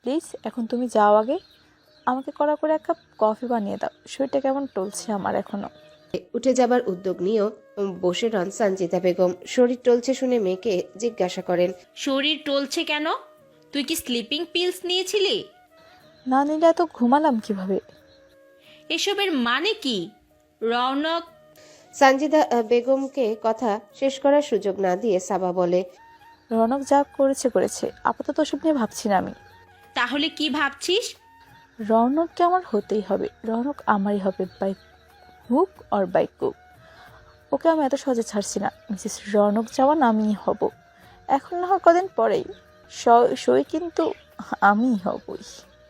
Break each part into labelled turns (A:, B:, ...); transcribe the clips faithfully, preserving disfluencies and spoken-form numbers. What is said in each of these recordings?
A: Please এখন তুমি যাও আগে, আমাকে কড়া করে এক কাপ কফি বানিয়ে দাও, শরীরটা কেমন টলছে আমার এখনো।
B: উঠে যাবার উদ্যোগ নিয়েও বসে রন সঞ্জিতা বেগম। শরীর টলছে শুনে মেয়েকে জিজ্ঞাসা করেন,
C: শরীর টলছে কেন? তুই কি স্লিপিং পিলস নিয়েছিলি?
A: না নিলে এত ঘুমালাম কিভাবে?
C: এসবের মানে কি? রৌনক
B: সঞ্জিতা বেগমকে কথা শেষ করার সুযোগ না দিয়ে সাবা বলে,
A: রনক যা করেছে করেছে, আপাতত ওসব নিয়ে ভাবছি না আমি।
C: তাহলে কি ভাবছিস?
A: রনককে আমার হতেই হবে, রনক আমারই হবে, বাই হুক অর বাই কুক। ওকে আমি এত সহজে ছাড়ছি না। মিসেস রনক যাওয়ান আমিই হব, এখন না হয় কদিন পরেই, সই কিন্তু আমিই হবই।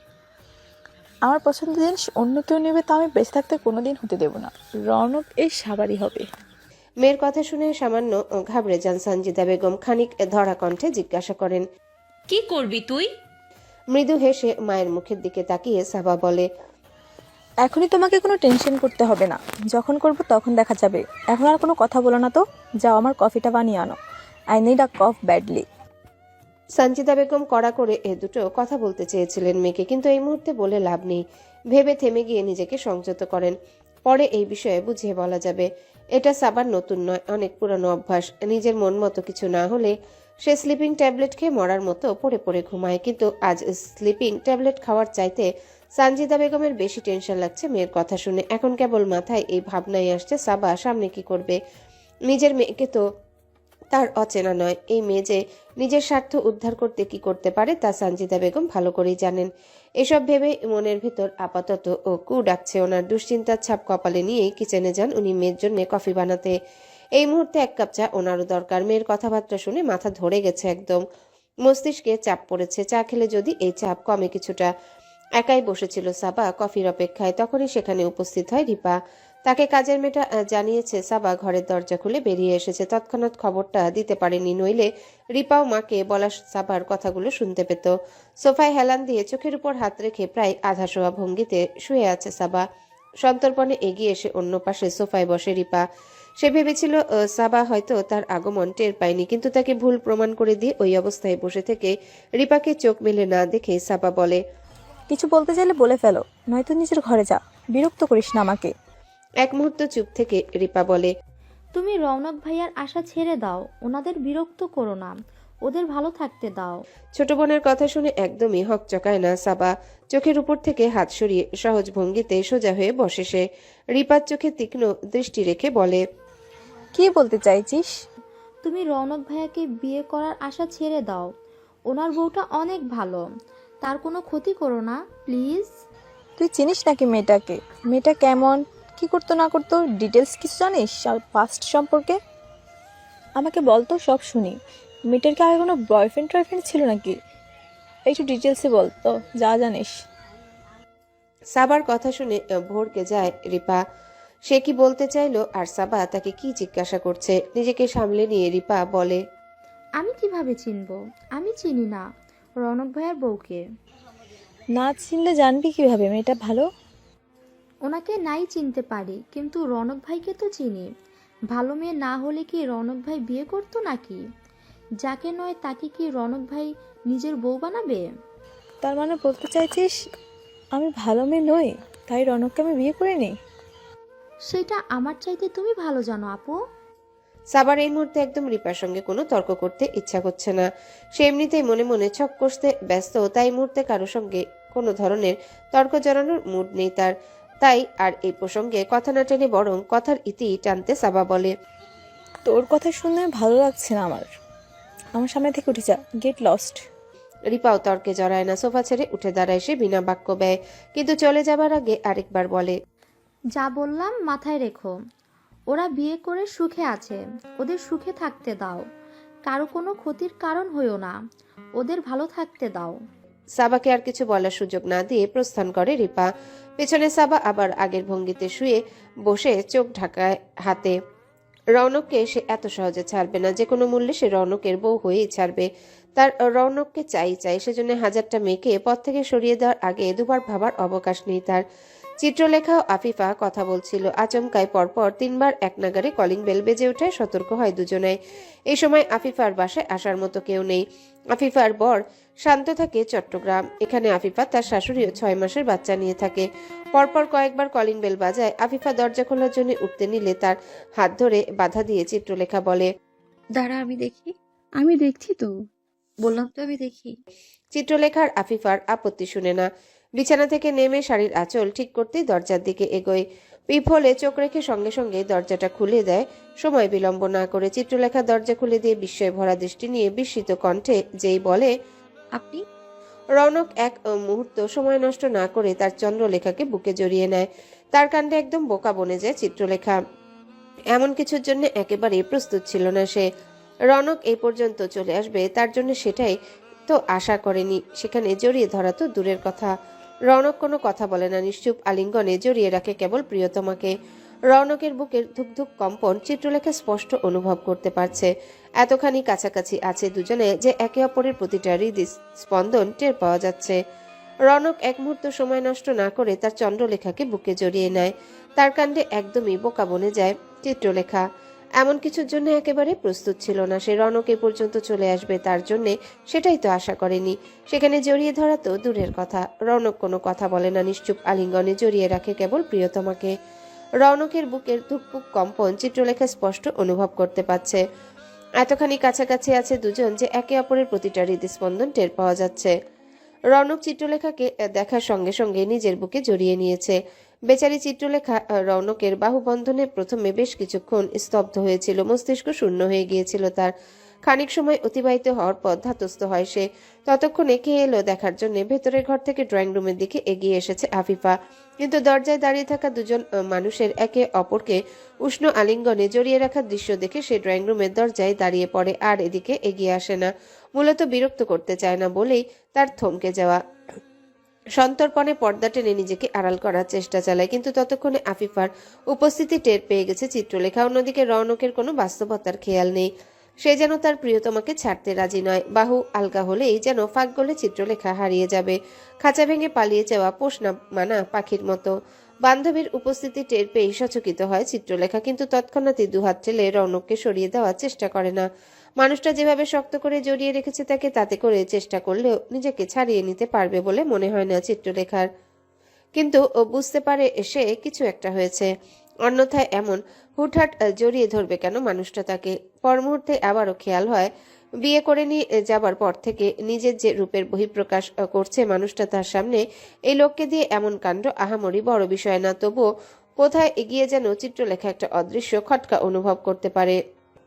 A: আমার পছন্দের জিনিস অন্য কেউ নেবে তা আমি বেঁচে থাকতে কোনোদিন হতে দেব না। রনক এই সাবারই হবে।
B: মেয়ের কথা শুনে সামান্য ঘাবড়ে যান সঞ্জিতা বেগম। খানিক ধরা কণ্ঠে জিজ্ঞাসা করেন,
C: কি করবি তুই?
B: মৃদু হেসে মায়ের মুখের দিকে তাকিয়ে সাবা বলে,
A: এখনই তোমাকে কোনো টেনশন করতে হবে না, যখন করব তখন দেখা যাবে। এখন আর কোনো কথা বলো না তো, যাও আমার কফিটা বানিয়ে আনো। I need a coffee badly.
B: Sanjita Begum কড়া করে এ দুটো কথা বলতে চেয়েছিলেন মেয়েকে, কিন্তু এই মুহূর্তে বলে লাভ নেই। ভেবে থেমে গিয়ে নিজেকে সংযত করেন। পরে এই বিষয়ে বুঝিয়ে বলা যাবে। এটা সাবার নতুন নয়, অনেক পুরনো অভ্যাস। নিজের মন মতো কিছু না হলে সে স্লিপিং ট্যাবলেট খেয়ে মরার মতো পড়ে পড়ে ঘুমায়, কিন্তু আজ স্লিপিং ট্যাবলেট খাওয়ার চাইতে সঞ্জিতা বেগমের বেশি টেনশন লাগছে মেয়ের কথা শুনে। এখন কেবল মাথায় এই ভাবনাই আসছে, সাবা সামনে কি করবে। নিজের মেয়েকে তো তার অচেনা নয়। এই মেয়ে যে নিজের স্বার্থ উদ্ধার করতে কি করতে পারে তা সঞ্জিতা বেগম ভালো করেই জানেন। এসব ভেবে মনের ভিতর আপাতত ও কু ডাকছে। ওনার দুশ্চিন্তার ছাপ কপালে নিয়েই কিচেনে যান উনি মেয়ের জন্য কফি বানাতে। এই মুহূর্তে এক কাপ চা ওনারও দরকার। মেয়ের কথাবার্তা শুনে মাথা ধরে গেছে একদম, মস্তিষ্কে চাপ পড়েছে। চা খেলে যদি এই চাপ কমে কিছুটা। একাই বসেছিল সাবা কফির অপেক্ষায়, তখনই সেখানে উপস্থিত হয় রিপা। তাকে কাজের মেয়েটা জানিয়েছে সাবা ঘরের দরজা খুলে বেরিয়ে এসেছে। তৎক্ষণাৎ খবরটা দিতে পারেনি, নইলে রিপাও মাকে বলা সাবার কথাগুলো শুনতে পেত। সোফায় হেলান দিয়ে চোখের উপর হাত রেখে প্রায় আধা শোয়া ভঙ্গিতে শুয়ে আছে সাবা। সন্তর্পণে এগিয়ে এসে অন্য পাশে সোফায় বসে রিপা। সে ভেবেছিল সাবা হয়তো তার আগমন টের পায়নি, কিন্তু তাকে ভুল প্রমাণ করে দিয়ে ওই অবস্থায় বসে থেকে রিপাকে চোখ মেলে না দেখে সাবা বলে,
A: কিছু বলতে চাইলে বলে ফেলো, নয়তো নিজের ঘরে যা, বিরক্ত করিস না আমাকে।
B: এক মুহূর্ত চুপ থেকে রিপা বলে,
D: তুমি রৌনক ভাইয়ার আশা ছেড়ে দাও, ওনাদের বিরক্ত করো না, ওদের ভালো থাকতে দাও।
B: ছোট বোনের কথা শুনে একদমই হকচকায় না সাবা। চোখের উপর থেকে হাত সরিয়ে সহজ ভঙ্গিতে সোজা হয়ে বসে সে। রিপার চোখে তীক্ষ্ণ দৃষ্টি রেখে বলে,
A: কি বলতে চাইছিস?
D: তুমি রৌনক ভাইয়াকে বিয়ে করার আশা ছেড়ে দাও, ওনার বউটা অনেক ভালো, তার কোনো ক্ষতি করো না প্লিজ।
A: তুই চিনিস নাকি মেয়েটাকে? মেয়েটা কেমন, কি করতো না করতো, ডিটেলস কিছু জানিস পাস্ট সম্পর্কে? আমাকে বলতো, সব শুনি। মেয়েটার কি আগে কোনো বয়ফ্রেন্ড টয়ফ্রেন্ড ছিল নাকি? একটু ডিটেলসে বলতো যা জানিস।
B: সাবার কথা শুনে ভড়কে যায় রিপা। সে কি বলতে চাইলো আর সাবা তাকে কি জিজ্ঞাসা করছে। নিজেকে সামলে নিয়ে রিপা বলে,
D: আমি কিভাবে চিনবো? আমি চিনি না রৌনক ভাইয়ার বউকে।
A: না চিনলে জানবি কিভাবে মেয়েটা ভালো?
D: ওনাকে নাই চিনতে পারি, কিন্তু রৌনক ভাইকে তো চিনি। ভালো মেয়ে না হলে কি রৌনক ভাই বিয়ে করতো নাকি? যাকে নয় তাকে কি রৌনক ভাই নিজের বউ বানাবে?
A: তার মানে বলতে চাইছিস আমি ভালো মেয়ে নই, তাই রনককে আমি বিয়ে করিনি?
D: সেটা আমার চাইতে তুমি ভালো জানো আপু।
B: সাবার এই মুহূর্তে একদম রিপার সঙ্গে কোনো তর্ক করতে ইচ্ছা করছে না। সে এমনিতেই মনে মনে ছক কষতে ব্যস্ত, তাই মুহূর্তে কারো সঙ্গে কোনো ধরনের তর্ক জড়ানোর মুড নেই তার। তাই আর এই প্রসঙ্গে কথা না টেনে বরং কথার ইতি টানতে সাবা বলে,
A: তোর কথা শুনে ভালো লাগছে না আমার, আমার সামনে থেকে উঠে যা, গেট লস্ট।
B: রিপাও তর্কে জড়ায় না, সোফা ছেড়ে উঠে দাঁড়ায় সে বিনা বাক্য ব্যয়, কিন্তু চলে যাবার আগে আরেকবার বলে,
D: যা বললাম মাথায় রেখো, ওরা বিয়ে করে সুখে আছে, ওদের সুখে থাকতে দাও, কারো কোনো ক্ষতির কারণ হইও না, ওদের ভালো থাকতে দাও।
B: সাবাকে আর কিছু বলার সুযোগ না দিয়ে প্রস্থান করে রিপা। পেছনে সাবা আবার আগের ভঙ্গিতে শুয়ে বসে চোখ ঢাকায় হাতে। রৌনককে সে এত সহজে ছাড়বে না, যে কোনো মূল্যে সে রৌনকের বউ হয়েই ছাড়বে। তার রৌনককে চাই চাই, সেজন্য হাজারটা মেয়েকে পথ থেকে সরিয়ে দেওয়ার আগে দুবার ভাবার অবকাশ নেই তার। চিত্রলেখা ও আফিফা কথা বলছিল। আচমকায় পরপর তিনবার এক নাগারে কলিং বেল বেজে ওঠায় সতর্ক হয় দুজনাই। এই সময় আফিফার বাসায় আসার মতো কেউ নেই। আফিফার বর শান্ত থাকে চট্টগ্রাম। এখানে আফিফা তার শাশুড়িও ছয় মাসের বাচ্চা নিয়ে থাকে। পরপর কয়েকবার কলিং বেল বাজায়। আফিফা দরজা খোলার জন্য উঠতে নিলে তার হাত ধরে বাধা দিয়ে চিত্রলেখা বলে,
E: দাঁড়া, আমি দেখি। আমি দেখছি তো, বললাম তো আমি দেখি।
B: চিত্রলেখার আফিফার আপত্তি শুনে না। বিছানা থেকে নেমে শাড়ির আঁচল ঠিক করতেই দরজার দিকে এগোয়। পিপ হলে চোখ রেখে সঙ্গে সঙ্গে দরজাটা খুলে দেয়। সময় বিলম্ব না করে চিত্রলেখা দরজা খুলে দিয়ে বিস্ময় ভরা দৃষ্টি নিয়ে বিস্মিত কণ্ঠে যেই বলে,
E: আপনি?
B: রৌনক এক মুহূর্ত সময় নষ্ট না করে তার চন্দ্রলেখাকে বুকে জড়িয়ে নেয়। তার কাণ্ডে একদম বোকা বনে যায় চিত্রলেখা। এমন কিছুর জন্য একেবারেই প্রস্তুত ছিল না সে। রৌনক এই পর্যন্ত চলে আসবে তার জন্য সেটাই তো আশা করেনি। সেখানে জড়িয়ে ধরা তো দূরের কথা। রৌনক কোনো কথা বলে না, নিশ্চুপ আলিঙ্গনে জড়িয়ে রাখে কেবল প্রিয়তমাকে। রৌনকের বুকের ধুকধুক কম্পন চিত্রলেখা স্পষ্ট অনুভব করতে পারছে। এতখানি কাছাকাছি আছে দুজনে যে একে অপরের প্রতিটা হৃদ স্পন্দন টের পাওয়া যাচ্ছে। রৌনক এক মুহূর্ত সময় নষ্ট না করে তার চন্দ্রলেখাকে বুকে জড়িয়ে নেয়। তার কাণ্ডে একদমই বোকা বনে যায় চিত্রলেখা। এমন কিছুর জন্য একেবারে প্রস্তুত ছিল না সে। রৌনক এ পর্যন্ত চলে আসবে তার জন্যে সেটাই তো আশা করেনি। সেখানে জড়িয়ে ধরা তো দূরের কথা। রৌনক কোনো কথা বলে না, নিশ্চুপ আলিঙ্গনে জড়িয়ে রাখে কেবল প্রিয়তমাকে। রৌনকের বুকের ধুকপুক কম্পন চিত্রলেখা স্পষ্ট অনুভব করতে পারছে। এতখানি কাছাকাছি আছে দুজন যে একে অপরের প্রতিটা হৃদস্পন্দন টের পাওয়া যাচ্ছে। রৌনক চিত্রলেখাকে দেখার সঙ্গে সঙ্গে নিজের বুকে জড়িয়ে নিয়েছে। বেচারি চিত্রলেখা রৌনকের বাহুবন্ধনে প্রথমে বেশ কিছুক্ষণ স্তব্ধ হয়েছিল। মস্তিষ্ক শূন্য হয়ে গিয়েছিল তার। খানিক সময় অতিবাহিত হওয়ার পর ধাতস্থ হয় সে। ততক্ষণে কে এলো দেখার জন্য ভেতরের ঘর থেকে ড্রয়িং রুমের দিকে এগিয়ে এসেছে আফিফা। কিন্তু দরজায় দাঁড়িয়ে থাকা দুজন মানুষের একে অপরকে উষ্ণ আলিঙ্গনে জড়িয়ে রাখার দৃশ্য দেখে সে ড্রয়িং রুমের দরজায় দাঁড়িয়ে পড়ে, আর এদিকে এগিয়ে আসে না। মূলত বিরক্ত করতে চায় না বলেই তার থমকে যাওয়া। সন্তর্পণে পর্দা টেনে নিজেকে আড়াল করার চেষ্টা চালায়, কিন্তু ততক্ষণে আফিফার উপস্থিতি টের পেয়ে গেছে চিত্রলেখা। অন্যদিকে রৌনকের কোনো বাস্তবতার খেয়াল নেই। সে যেন তার প্রিয়তমাকে ছাড়তে রাজি নয়। বাহু আলগা হলেই যেন ফাঁক গলে চিত্রলেখা হারিয়ে যাবে, খাঁচা ভেঙে পালিয়ে যাওয়া পোষ না মানা পাখির মতো। বান্ধবীর উপস্থিতি টের পেয়ে সচকিত হয় চিত্রলেখা, কিন্তু তৎক্ষণাৎই দুহাত ঠেলে রৌনককে সরিয়ে দেওয়ার চেষ্টা করে না। মানুষটা যেভাবে শক্ত করে জড়িয়ে রেখেছে তাকে, তাতে করে চেষ্টা করলেও নিজেকে ছাড়িয়ে নিতে পারবে বলে মনে হয় না চিত্রলেখার। কিন্তু ও বুঝতে পারে সে কিছু একটা হয়েছে, অন্যথায় এমন হুটহাট জড়িয়ে ধরবে কেন মানুষটা তাকে। পর মুহূর্তে আবারও খেয়াল হয় বিয়ে করে নিয়ে যাবার পর থেকে নিজের যে রূপের বহিঃপ্রকাশ করছে মানুষটা তার সামনে, এই লোককে দিয়ে এমন কাণ্ড আহামরি বড় বিষয় না। তবুও কোথায় এগিয়ে যেন চিত্রলেখা একটা অদৃশ্য খটকা অনুভব করতে পারে।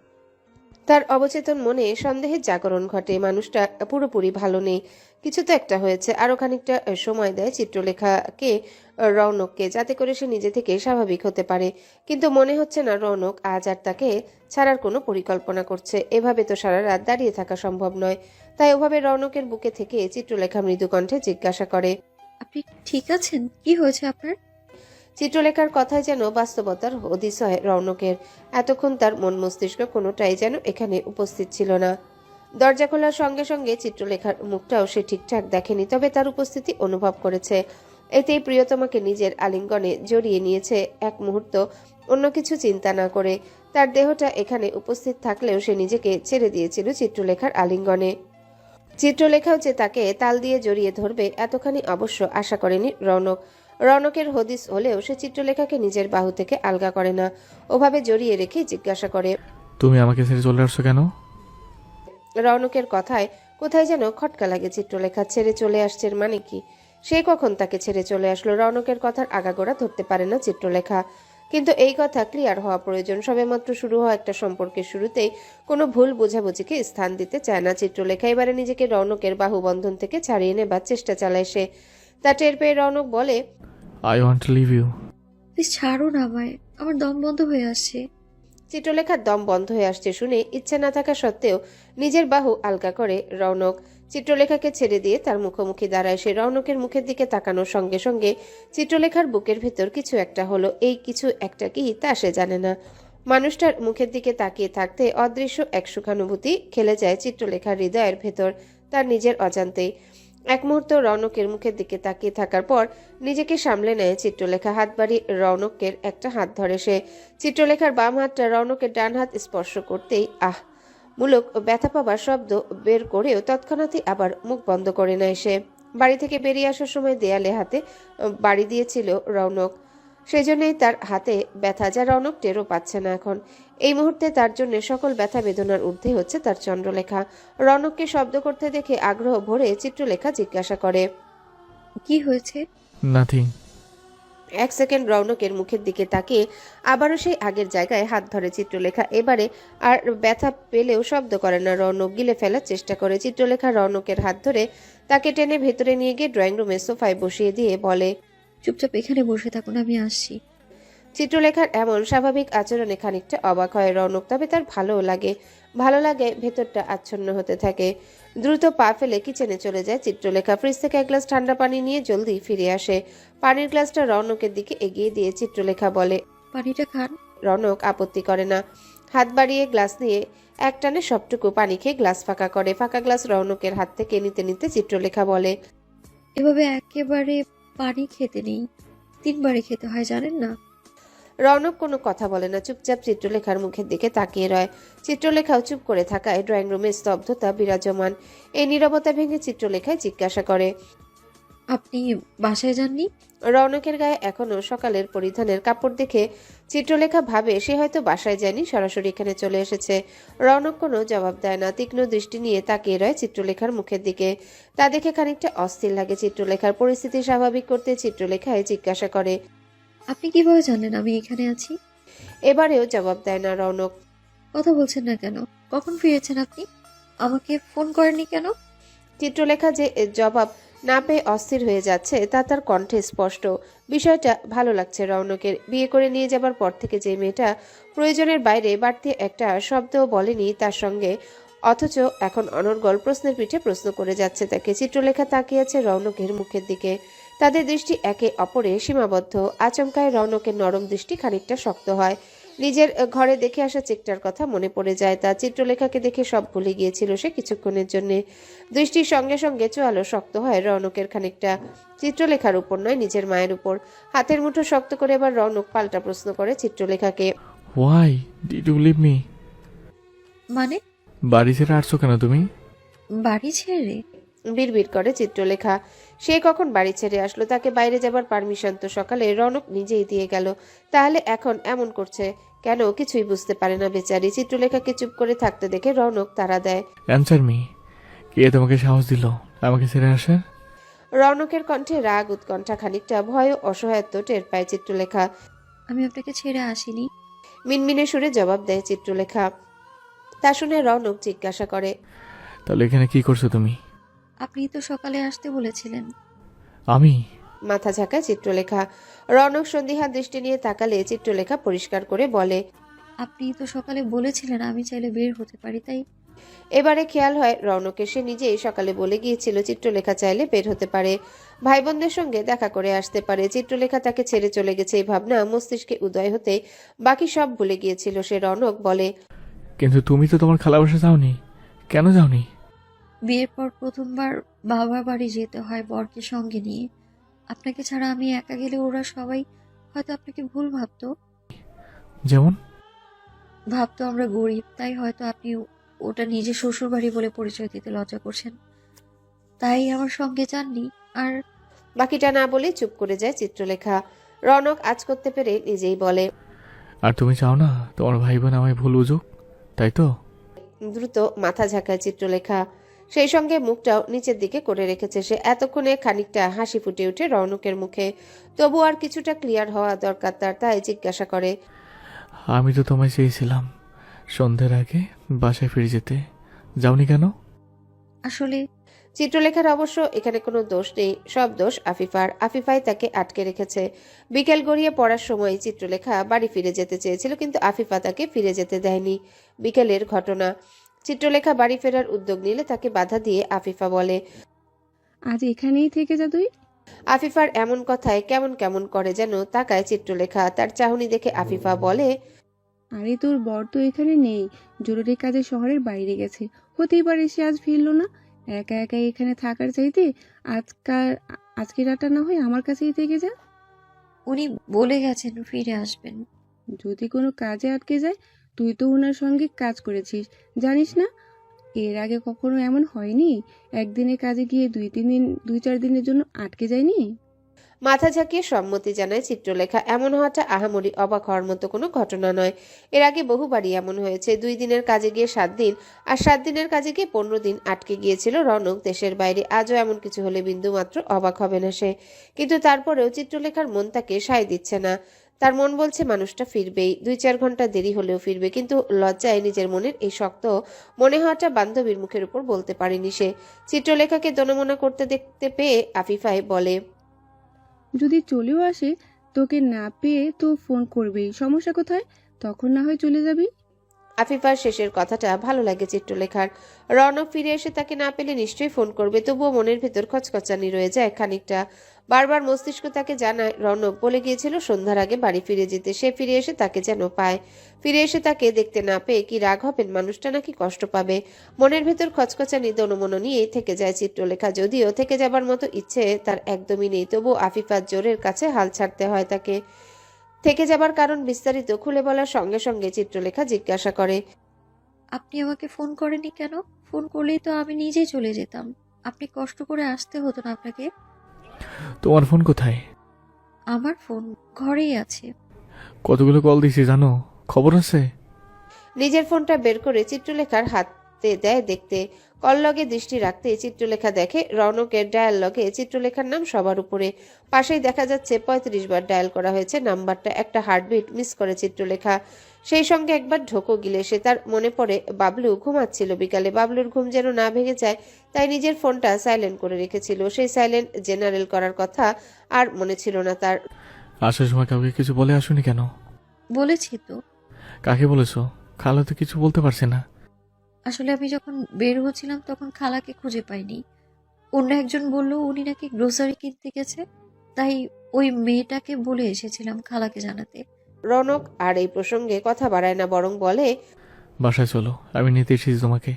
B: তার অবচেতন মনে সন্দেহের জাগরণ ঘটে। মানুষটা পুরোপুরি ভালো নেই, কিছু তো একটা হয়েছে। আরো খানিকটা সময় দেয় চিত্রলেখাকে রৌনককে, যাতে করে সে নিজে থেকে স্বাভাবিক হতে পারে। কিন্তু মনে হচ্ছে না রৌনক আজ আর তাকে ছাড়ার কোনো পরিকল্পনা করছে। এভাবে তো সারা রাত দাঁড়িয়ে থাকা সম্ভব নয়। তাই ওভাবে রৌনকের বুকে থেকে চিত্রলেখা মৃদু কণ্ঠে জিজ্ঞাসা করে,
E: আপনি ঠিক আছেন? কি হয়েছে আপনার?
B: চিত্রলেখার কথায় যেন বাস্তবতার হদিস হয় রৌনকের। এতক্ষণ তার মন মস্তিষ্ক কোনোটাই যেন এখানে উপস্থিত ছিল না। দরজা খোলার সঙ্গে সঙ্গে চিত্রলেখার মুখটাও সে ঠিকঠাক দেখেনি, তবে তার উপস্থিতি অনুভব করেছে। এতেই প্রিয়তমাকে নিজের আলিঙ্গনে জড়িয়ে নিয়েছে এক মুহূর্ত, অন্য কিছু চিন্তা না করে। তার দেহটা এখানে উপস্থিত থাকলেও সে নিজেকে ছেড়ে দিয়েছিল চিত্রলেখার আলিঙ্গনে। চিত্রলেখাও যে তাকে তাল দিয়ে জড়িয়ে ধরবে এতখানি অবশ্য আশা করেনি রৌনক। রৌনকের হদিস হলেও সে চিত্রলেখাকে নিজের বাহু থেকে আলগা করে না, ওভাবে জড়িয়ে রেখে জিজ্ঞাসা করে,
F: তুমি আমাকে ছেড়ে চলে আসছো কেন?
B: রৌনকের কথায় কোথায় যেন খটকা লাগে চিত্রলেখা। ছেড়ে চলে আসছে মানে কি? সে কখন তাকে ছেড়ে চলে আসলো? রৌনকের কথার আগাগোড়া ধরতে পারে না চিত্রলেখা, কিন্তু এই কথা ক্লিয়ার হওয়া প্রয়োজন। সবেমাত্র শুরু হওয়া একটা সম্পর্কের শুরুতেই কোনো ভুল বোঝাবুঝিকে স্থান দিতে চায় না চিত্রলেখা। এবারে নিজেকে রৌনকের বাহুবন্ধন থেকে ছাড়িয়ে নেবার চেষ্টা চালায় সে। তা টের পেয়ে রৌনক বলে,
F: I want to leave you.
E: Please ছাড়ুন আমায়, আমার দম বন্ধ হয়ে আসছে।
B: চিত্রলেখার দম বন্ধ হয়ে আসছে শুনে ইচ্ছে না থাকা সত্ত্বেও নিজের বাহু আলগা করে রৌনক। চিত্রলেখাকে ছেড়ে দিয়ে তার মুখোমুখি দাঁড়ায় সে। রৌনকের মুখের দিকে তাকানোর সঙ্গে সঙ্গে চিত্রলেখার বুকের ভেতর কিছু একটা হলো। এই কিছু একটা কি তা সে জানে না। মানুষটার মুখের দিকে তাকিয়ে থাকতে অদৃশ্য এক সুখানুভূতি খেলে যায় চিত্রলেখার হৃদয়ের ভেতর তার নিজের অজান্তেই। এক মুহূর্ত রৌনকের মুখের দিকে তাকিয়ে থাকার পর নিজেকে সামলে নেয় চিত্রলেখা। হাত বাড়িয়ে রৌনকের একটা হাত ধরে সে। চিত্রলেখার বাম হাতটা রৌনকের ডান হাত স্পর্শ করতেই আহ মূলক ব্যথা পাবার শব্দ বের করেও তৎক্ষণাৎই আবার মুখ বন্ধ করে নেয় সে। বাড়ি থেকে বেরিয়ে আসার সময় দেয়ালে হাতে বাড়ি দিয়েছিল রৌনক, সেজন্যই তার হাতে ব্যথা, যা রৌনক টেরও পাচ্ছে না এখন। এই মুহূর্তে তার জন্য সকল ব্যথা বেদনার ঊর্ধ্বে হচ্ছে তার চন্দ্রলেখা। রৌনককে শব্দ করতে দেখে আগ্রহ ভরে চিত্রলেখা জিজ্ঞাসা করে,
E: কি হয়েছে?
F: নাথিং।
B: এক সেকেন্ড রৌনকের মুখের দিকে তাকিয়ে আবারও সেই আগের জায়গায় হাত ধরে চিত্রলেখা। এবারে আর ব্যথা পেলেও শব্দ করে না। রৌনক গিলে ফেলার চেষ্টা করে। চিত্রলেখা রৌনকের হাত ধরে তাকে টেনে ভেতরে নিয়ে গিয়ে ড্রয়িং রুমের সোফায় বসিয়ে দিয়ে বলে,
E: চুপচাপ এখানে বসে থাকুন, আমি আসছি।
B: চিত্রলেখার এমন স্বাভাবিক আচরণে খানিকটা অবাক হয় রৌনক, তবে তার ভালোও লাগে। ভালো লাগে ভেতরটা আচ্ছন্ন হতে থাকে। দ্রুত পা ফেলে কিচেনে চলে যায় চিত্রলেখা। ফ্রিজ থেকে এক গ্লাস ঠান্ডা পানি নিয়ে জলদি ফিরে আসে। পানির গ্লাসটা রৌনকের দিকে এগিয়ে দিয়ে চিত্রলেখা বলে,
E: পানিটা খান।
B: রৌনক আপত্তি করে না। হাত বাড়িয়ে গ্লাস নিয়ে একটানে সবটুকু পানি খেয়ে গ্লাস ফাঁকা করে। ফাঁকা গ্লাস রৌনকের হাত থেকে নিতে নিতে চিত্রলেখা বলে,
E: এভাবে একেবারে পানি খেতে নেই, তিনবারে খেতে হয়, জানেন না?
B: রৌনক কোনো কথা বলে না, চুপচাপ চিত্রলেখার মুখের দিকে তাকিয়ে রয়। চিত্রলেখাও চুপ করে থাকায় ড্রয়িং রুমে স্তব্ধতা বিরাজমান। এই নীরবতা ভেঙে চিত্রলেখায় জিজ্ঞাসা করে,
E: আপনি বাসায় যাননি?
B: রৌনকের গায়ে এখনো সকালের পরিধানের কাপড় দেখে চিত্রলেখা ভাবে সে হয়তো বাসায় যায়নি, সরাসরি এখানে চলে এসেছে। রৌনক কোনো জবাব দেয় না, তীক্ষ্ণ দৃষ্টি নিয়ে তাকিয়ে রয় চিত্রলেখার মুখের দিকে। তা দেখে খানিকটা অস্থির লাগে চিত্রলেখার। পরিস্থিতি স্বাভাবিক করতে চিত্রলেখায় জিজ্ঞাসা করে,
E: আপনি কিভাবে জানলেন আমি এখানে আছি?
B: এবারেও জবাব দেয় না রৌনক।
E: কথা বলছেন না কেন? কখন ফিরেছেন আপনি? আমাকে ফোন করেননি কেন?
B: চিত্রলেখা যে জবাব না পেয়ে অস্থির হয়ে যাচ্ছে তা তার কণ্ঠে স্পষ্ট। বিষয়টা ভালো লাগছে রৌনকের। বিয়ে করে নিয়ে যাবার পর থেকে যে মেয়েটা প্রয়োজনের বাইরে বাড়তি একটা শব্দও বলেনি তার সঙ্গে, অথচ এখন অনর্গল প্রশ্নের পিঠে প্রশ্ন করে যাচ্ছে তাকে। চিত্রলেখা তাকিয়ে আছে রৌনকের মুখের দিকে। তাদের দৃষ্টি একে অপরে সীমাবদ্ধ। আচমকায় রৌনকের নরম দৃষ্টি খানিকটা শক্ত হয়। নিজের ঘরে দেখে আসা চেকটার কথা মনে পড়ে যায় তার। চিত্রলেখাকে দেখে সব ভুলে গিয়েছিল সে কিছুক্ষণের জন্য। দৃষ্টির সঙ্গে সঙ্গে চোয়ালো শক্ত হয় রৌনকের খানিকটা, চিত্রলেখার উপর নয়, নিজের মায়ের উপর। হাতের মুঠো শক্ত করে এবার রৌনক পাল্টা প্রশ্ন করে চিত্রলেখাকে,
F: why did you leave me?
E: মানে?
F: বাড়ি ছেড়ে আসছো কেন তুমি?
E: বাড়ি ছেড়ে?
B: বিড়বিড় করে চিত্রলেখা। সে কখন বাড়ি ছেড়ে আসলো? তাকে বাইরে যাবার পারমিশন তো সকালে রৌনক নিজেই দিয়ে গেল, তাহলে এখন এমন করছে কেন? কিছুই বুঝতে পারে না বেচারি। চিত্রলেখাকে চুপ করে থাকতে দেখে রৌনক তাড়া দেয়,
F: অ্যান্সার মি। কে তোমাকে সাহস দিল আমাকে ছেড়ে আসে?
B: রৌনকের কণ্ঠে রাগ, উৎকণ্ঠা, খানিকটা ভয় ও অসহায়ত্ব টের পায় চিত্রলেখা।
E: আমি আপনাকে ছেড়ে আসিনি।
B: মিনমিনে সুরে জবাব দেয় চিত্রলেখা। তা শুনে রৌনক জিজ্ঞাসা করে,
F: তাহলে এখানে কি করছো তুমি?
E: আপনি তো সকালে আসতে বলেছিলেন।
F: আমি?
B: মাথা ঝাঁকায় চিত্রলেখা। রৌনক সন্দিহান দৃষ্টি নিয়ে তাকালে চিত্রলেখা পরিষ্কার করে বলে,
E: আপনি তো সকালে বলেছিলেন আমি চাইলে বের হতে পারি, তাই।
B: এবারে খেয়াল হয় রৌনকের সে নিজেই সকালে বলে গিয়েছিল চিত্রলেখা চাইলে বের হতে পারে, ভাই বোনদের সঙ্গে দেখা করে আসতে পারে। চিত্রলেখা তাকে ছেড়ে চলে গেছে এই ভাবনা মস্তিষ্কে উদয় হতে বাকি সব ভুলে গিয়েছিল সে। রৌনক বলে,
F: কিন্তু তুমি তো তোমার খালা বাসা যাওনি, কেন যাওনি?
E: বিয়ের পর প্রথমবার বাবার বাড়ি যেতে হয় বরকে সঙ্গে নিয়ে। আপনাকে ছাড়া আমি একা গেলে ওরা সবাই হয়তো আপনাকে ভুল ভাবতো।
F: যেমন?
E: ভাবতো আমরা গরিব, তাই হয়তো আপনি ওটা নিজের শ্বশুর বাড়ি বলে পরিচয় দিতে লজ্জা করছেন, তাই আমার সঙ্গে যাননি। আর
B: বাকিটা না বলে চুপ করে যায় চিত্রলেখা। রৌনক আজ করতে পেরে নিজেই বলে,
F: আর তুমি চাও না তোমার ভাই বোন আমায় ভুল বুঝুক, তাই তো?
B: দ্রুত মাথা ঝাঁকায় চিত্রলেখা। সেই সঙ্গে মুখটাও নিচের দিকে করে রেখেছে সে। এতক্ষণে খানিকটা হাসি ফুটে ওঠে রৌনকের মুখে। তবু আর কিছুটা ক্লিয়ার হওয়া দরকার তার, তাই জিজ্ঞাসা করে,
F: আমি তো তোমায় চেয়েছিলাম সন্ধ্যের আগে বাসায় ফিরে যেতে, যাওনি কেন?
E: আসলে
B: চিত্রলেখার অবশ্য এখানে কোনো দোষ নেই, সব দোষ আফিফার। আফিফাই তাকে আটকে রেখেছে। বিকেল গড়িয়ে পড়ার সময় চিত্রলেখা বাড়ি ফিরে যেতে চেয়েছিল, কিন্তু আফিফা তাকে ফিরে যেতে দেয়নি। বিকেলের ঘটনা। চিত্রলেখা বাড়ি ফেরার উদ্যোগ নিলে তাকে বাধা দিয়ে আফিফা বলে,
G: আজ এখানেই থেকে যা তুই।
B: আফিফার এমন কথায় কেমন কেমন করে যেন তাকায় চিত্রলেখা। তার চাহনি দেখে আফিফা বলে,
G: আরে তোর বর তো এখানে নেই, জরুরি কাজে শহরের বাইরে গেছে, হতেই পারে সে আজ ফিরলো না। একা একা এখানে থাকার চাইতে আজকাল আজকে রাতটা না হয় আমার কাছেই থেকে যা।
E: উনি বলে গেছেন ফিরে আসবেন।
G: যদি কোনো কাজে আটকে যায় তুই তো ওনার সঙ্গে কাজ করেছিস, জানিস না? এর আগে কখনো এমন হয়নি? একদিনের কাজে গিয়ে দুই তিন দিন দুই চার দিনের জন্য আটকে যায়নি?
B: মাথা ঝাঁকিয়ে সম্মতি জানায় চিত্রলেখা। এমন হওয়াটা আহামরি অবাক হওয়ার মতো কোনো ঘটনা নয়। এর আগে বহুবারই এমন হয়েছে। দুই দিনের কাজে গিয়ে সাত দিন আর সাত দিনের কাজে গিয়ে পনেরো দিন আটকে গিয়েছিল রনক দেশের বাইরে। আজও এমন কিছু হলে বিন্দু মাত্র অবাক হবে না সে। কিন্তু তারপরেও চিত্রলেখার মন তাকে সায় দিচ্ছে না। তার মন বলছে মানুষটা ফিরবেই, দুই চার ঘন্টা দেরি হলেও ফিরবে। কিন্তু লজ্জায় নিজের মনের এই শক্ত মনে হওয়াটা বান্ধবীর মুখের উপর বলতে পারেনি সে। চিত্রলেখাকে দনমনা করতে দেখতে পেয়ে আফিফাই বলে,
G: যদি চলেও আসে, তোকে না পেয়ে তো ফোন করবেই, সমস্যা কোথায়? তখন না হয় চলে যাবি।
B: আফিফার শেষের কথাটা ভালো লাগে চিত্রলেখার। রনক ফিরে এসে তাকে না পেলে নিশ্চয়ই ফোন করবে, তবুও মনের ভেতর খচখচানি রয়ে যায় খানিকটা। বারবার মস্তিষ্ক তাকে জানায় রনক বলে গিয়েছিল সন্ধ্যার আগে বাড়ি ফিরে যেতে। সে ফিরে এসে তাকে যেন পায়। ফিরে এসে তাকে দেখতে না পেয়ে কি রাগ হবেন মানুষটা, নাকি কষ্ট পাবে? মনের ভেতর খচখচানি দনমন নিয়েই থেকে যায় চিত্রলেখা। যদিও থেকে যাবার মতো ইচ্ছে তার একদমই নেই, তবু আফিফার জোরের কাছে হাল ছাড়তে হয় তাকে। থেকে যাবার কারণ বিস্তারিত খুলে বলার সঙ্গে সঙ্গে চিত্রলেখা জিজ্ঞাসা করে,
E: আপনি আমাকে ফোন করেননি কেন? ফোন করলেই তো আমি নিজেই চলে যেতাম। আপনি কষ্ট করে আসতে হতো না আপনাকে।
F: তোমার ফোন কোথায়?
E: আমার ফোন ঘরেই আছে।
F: কতগুলো কল দিছি জানো? খবর আছে?
B: নিজের ফোনটা বের করে চিত্রলেখার হাতে দেয় দেখতে। কল লগে দৃষ্টি রাখতে চিত্রলেখা দেখে রৌনকের ডায়াল লগে চিত্রলেখার নাম সবার উপরে। পাশেই দেখা যাচ্ছে পঁয়ত্রিশ বার ডায়াল করা হয়েছে নাম্বারটা। একটা হার্টবিট মিস করে চিত্রলেখা। সেই সঙ্গে একবার ঢোকো গিলে সে। তার মনে পড়ে বাবলু ঘুমাচ্ছিল বিকালে। বাবলুর ঘুম যেন না ভেঙে যায় তাই নিজের ফোনটা সাইলেন্ট করে রেখেছিল। সেই সাইলেন্ট জেনারেল করার কথা আর মনে ছিল না তার।
F: আসার সময় কাউকে কিছু বলে আসুনি কেন?
E: বলেছি তো।
F: কাকে বলেছো? খালা তো কিছু বলতে পারছে না।
E: আসলে আমি যখন বের হচ্ছিলাম তখন খালাকে খুঁজে পাইনি। অন্য একজন বলল উনি নাকি গ্রোসারি কিনতে গেছে, তাই ওই মেয়েটাকে বলে এসেছিলাম খালাকে জানাতে।
B: রৌনক আর এই প্রসঙ্গে কথা বাড়ায় না, বরং বলে,
F: বাসায় চলো, আমি নিতে এসেছি তোমাকে।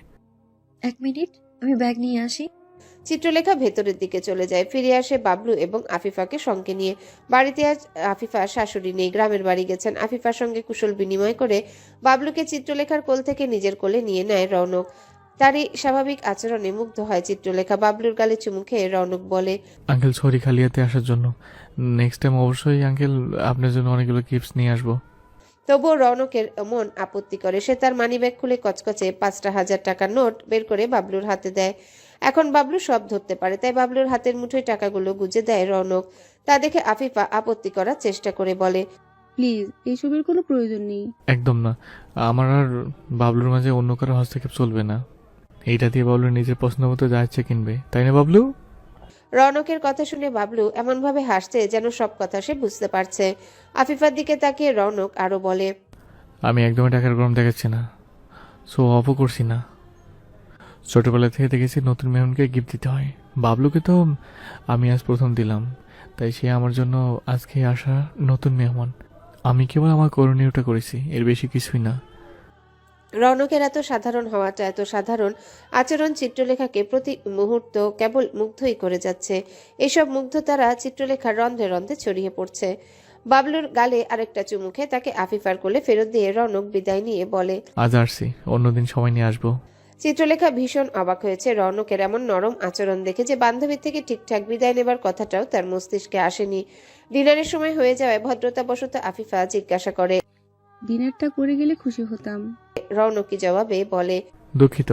E: এক মিনিট, আমি ব্যাগ নিয়ে আসি।
B: চিত্রলেখা ভেতরের দিকে চলে যায়। ফিরে আসে বাবলু এবং আফিফাকে সঙ্গে নিয়ে। বাড়িতে আজ আফিফার শাশুড়ি নেই, গ্রামের বাড়ি গেছেন। আফিফার সঙ্গে কুশল বিনিময় করে বাবলুকে চিত্রলেখার কোল থেকে নিজের কোলে নিয়ে নেয় রৌনক। তারই স্বাভাবিক আচরণে মুগ্ধ হয় চিত্রলেখা। বাবলুর গালে চুমু খেয়ে রৌনক বলে,
F: আঙ্কেল সরি খালিয়াতে আসার জন্য। নেক্সট টাইম অবশ্যই আঙ্কেল আপনার জন্য অনেকগুলো গিফটস নিয়ে আসবো।
B: তবুও রৌনকের মন আপত্তি করে। সে তার মানিব্যাগ খুলে কচকচে পাঁচটা হাজার টাকার নোট বের করে বাবলুর হাতে দেয়। এখন বাবলু সব ধরতে পারে, তাই বাবলুর হাতের মুঠোয় টাকাগুলো গুজে দেয় রৌনক। তা দেখে আফিফা আপত্তি করার চেষ্টা করে বলে,
G: প্লিজ, এইসবের কোনো প্রয়োজন নেই।
F: একদম না, আমার আর বাবলুর মাঝে অন্য কারো হস্তক্ষেপ চলবে না। এইটা দিয়ে বাবলু নিজের পছন্দ মতো যা ইচ্ছে কিনবে, তাই না বাবলু?
B: রৌনকের কথা শুনে বাবলু এমনভাবে হাসছে যেন সব কথা সে বুঝতে পারছে। আফিফার দিকে তাকিয়ে রৌনক আরো বলে,
F: আমি একদমই টাকার গরম দেখাচ্ছি না, সো অফও করছি না। ছোটবেলা থেকে দেখেছি নতুন মেহমানকে গিফট দিতে হয়। বাবলুকে তো আমি আজ প্রথম দিলাম, তাই সে আমার জন্য আজকে আসা নতুন মেহমান। আমি কেবল আমার করণীয়টা করেছি, এর বেশি কিছুই না।
B: রৌনকের এত সাধারণ হওয়াটা, এত সাধারণ আচরণ চিত্রলেখাকে প্রতি মুহূর্ত কেবল মুগ্ধই করে যাচ্ছে। এসব মুগ্ধতারা চিত্রলেখার রন্ধ্রে রন্ধ্রে ছড়িয়ে পড়ছে। বাবলুর গালে আরেকটা চুমু খেয়ে তাকে আফিফার কোলে ফেরত দিয়ে রৌনক বিদায় নিয়ে বলে,
F: আজ আসছি, অন্যদিন সময় নিয়ে আসবো।
B: চিত্রলেখা ভীষণ অবাক হয়েছে রৌনকের এমন নরম আচরণ দেখে, যে বান্ধবীর থেকে ঠিকঠাক বিদায় নেবার কথাটাও তার মস্তিষ্কে আসেনি। ডিনারের সময় হয়ে যাওয়ায় ভদ্রতাবশত আফিফা জিজ্ঞাসা করে,
G: ডিনারটা করে গেলে খুশি হতাম।
B: রৌনকি জবাবে বলে,
F: দুঃখিত,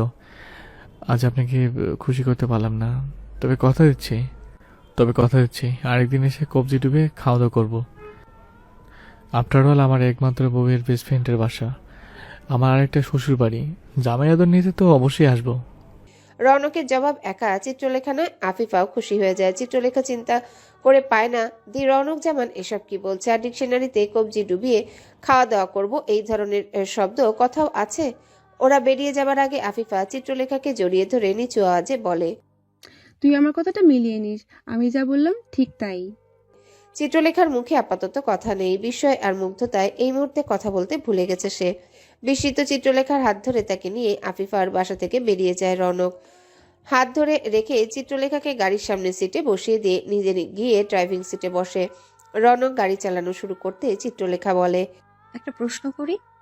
F: আজ আপনাকে খুশি করতে পারলাম না, তবে কথা দিচ্ছি তবে কথা দিচ্ছি আরেকদিন এসে কবজি ডুবে খাওয়া দাওয়া করবো। আফটার অল আমার একমাত্র বউয়ের বেস্ট ফ্রেন্ডের বাসা, আমার আরেকটা শ্বশুর বাড়ি, জামাই আদর নিতে তো অবশ্যই আসবো।
B: রৌনকের জবাব একা চিত্রলেখা নয়, আফিফাও খুশি হয়ে যায়। চিত্রলেখা চিন্তা করে পায় না দি রৌনক জামান এসব কি বলছে। আর ডিকশনারিতে কবজি ডুবিয়ে খাওয়া দাওয়া করব এই ধরনের শব্দ কোথাও আছে? ওরা বেরিয়ে যাবার আগে আফিফা চিত্রলেখাকে জড়িয়ে ধরে নিচু আওয়াজে বলে,
G: তুই আমার কথাটা মিলিয়ে নিস, আমি যা বললাম ঠিক তাই।
B: চিত্রলেখার মুখে আপাতত কথা নেই। বিস্ময় আর মুগ্ধতায় এই মুহূর্তে কথা বলতে ভুলে গেছে সে। বিস্মিত চিত্রলেখার হাত ধরে তাকে নিয়ে আফিফার বাসা থেকে বেরিয়ে যায় রৌনক। হাত ধরে রেখে চিত্রলেখাকে গাড়ির সামনে সিটে বসিয়ে দিয়ে নিজে গিয়ে ড্রাইভিং সিটে বসে। রৌনক গাড়ি চালানো শুরু করতে চিত্রলেখা বলে,
E: একটা প্রশ্ন করি।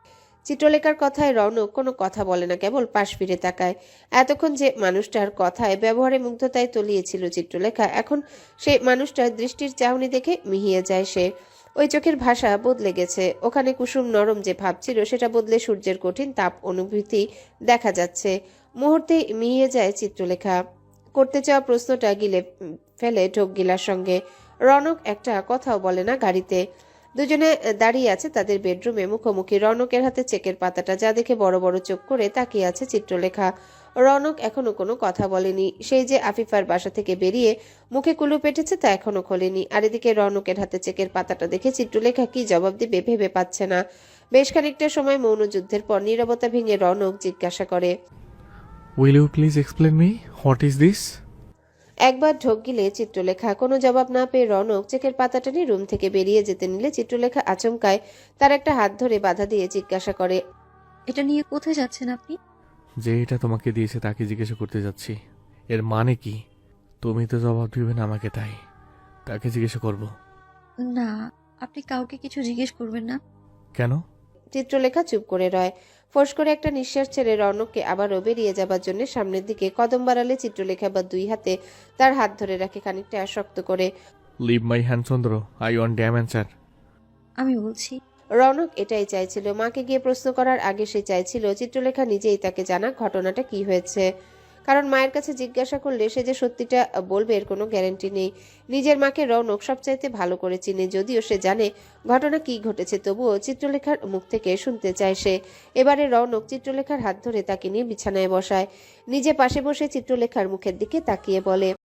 B: চিত্রলেখার কথায় রৌনক কোনো কথা বলে না, কেবল পাশ ফিরে তাকায়। এতক্ষণ যে মানুষটার কথায় ব্যবহারে মুগ্ধতায় তলিয়েছিল চিত্রলেখা, এখন সেই মানুষটার দৃষ্টির চাহনি দেখে মিহিয়ে যায় সে। ওই চোখের ভাষা বদলে গেছে, ওখানে কুসুম নরম যে ভাব ছিল সেটা বদলে সূর্যের কঠিন তাপ অনুভূতি দেখা যাচ্ছে। মুহূর্তেই মিহিয়ে যায় চিত্রলেখা। করতে চাওয়া প্রশ্নটা গিলে ফেলে ঢোক গিলার সঙ্গে। রৌনক একটা কথাও বলে না গাড়িতে। দুজনে দাঁড়িয়ে আছে তাদের বেডরুমে মুখোমুখি। রৌনকের হাতে চেকের পাতাটা, যা দেখে বড় বড় চোখ করে তাকিয়ে আছে চিত্রলেখা। রৌনক এখনো কোনো কথা বলেনি। সেই যে আফিফার বাসা থেকে বেরিয়ে মুখে কুলু পেটেছে তা এখনো খোলেনি। আর এদিকে রৌনকের হাতে চেকের পাতাটা দেখে চিত্রলেখা কি জবাব দিবে ভেবে পাচ্ছে না। বেশ খানিকটা সময় মৌন যুদ্ধের পর নীরবতা ভেঙে রৌনক জিজ্ঞাসা করে,
F: will you please explain me what is this?
B: একবার ঢোক গিলে চিত্রলেখা। কোনো জবাব না পেয়ে রৌনক চেকের পাতাটা নিয়ে রুম থেকে বেরিয়ে যেতে নিলে চিত্রলেখা আচমকায় তার একটা হাত ধরে বাধা দিয়ে জিজ্ঞাসা করে,
E: এটা নিয়ে কোথায় যাচ্ছেন আপনি?
F: যে এটা তোমাকে দিয়েছে তাকে জিজ্ঞাসা করতে যাচ্ছি। এর মানে কি? তুমি তো জবাব দিবে না আমাকে, তাই তাকে জিজ্ঞাসা করব।
E: না, আপনি কাউকে কিছু জিজ্ঞেস করবেন না।
F: কেন?
B: চিত্রলেখা চুপ করে রয়। ফোঁস করে একটা নিঃশ্বাস ছেড়ে রৌনককে আবারও বেরিয়ে যাবার জন্য সামনের দিকে কদম বাড়ালে চিত্রলেখা বা দুই হাতে তার হাত ধরে রাখে খানিকটা শক্ত করে।
F: Leave my hand Chandra, I want damn answer.
E: আমি বলছি।
B: রৌনক এটাই চাইছিল। মাকে গিয়ে প্রশ্ন করার আগে সে চাইছিল চিত্রলেখা নিজেই তাকে জানাক ঘটনাটা কি হয়েছে। কারণ মায়ের কাছে জিজ্ঞাসা করলে সে যে সত্যিটা বলবে এর কোনো গ্যারান্টি নেই। নিজের মাকে রৌনক সবচাইতে ভালো করে চিনে, যদিও সে জানে ঘটনা কি ঘটেছে, তবুও চিত্রলেখার মুখ থেকে শুনতে চায় সে। এবারে রৌনক চিত্রলেখার হাত ধরে তাকে নিয়ে বিছানায় বসায়। নিজে পাশে বসে চিত্রলেখার মুখের দিকে তাকিয়ে বলে,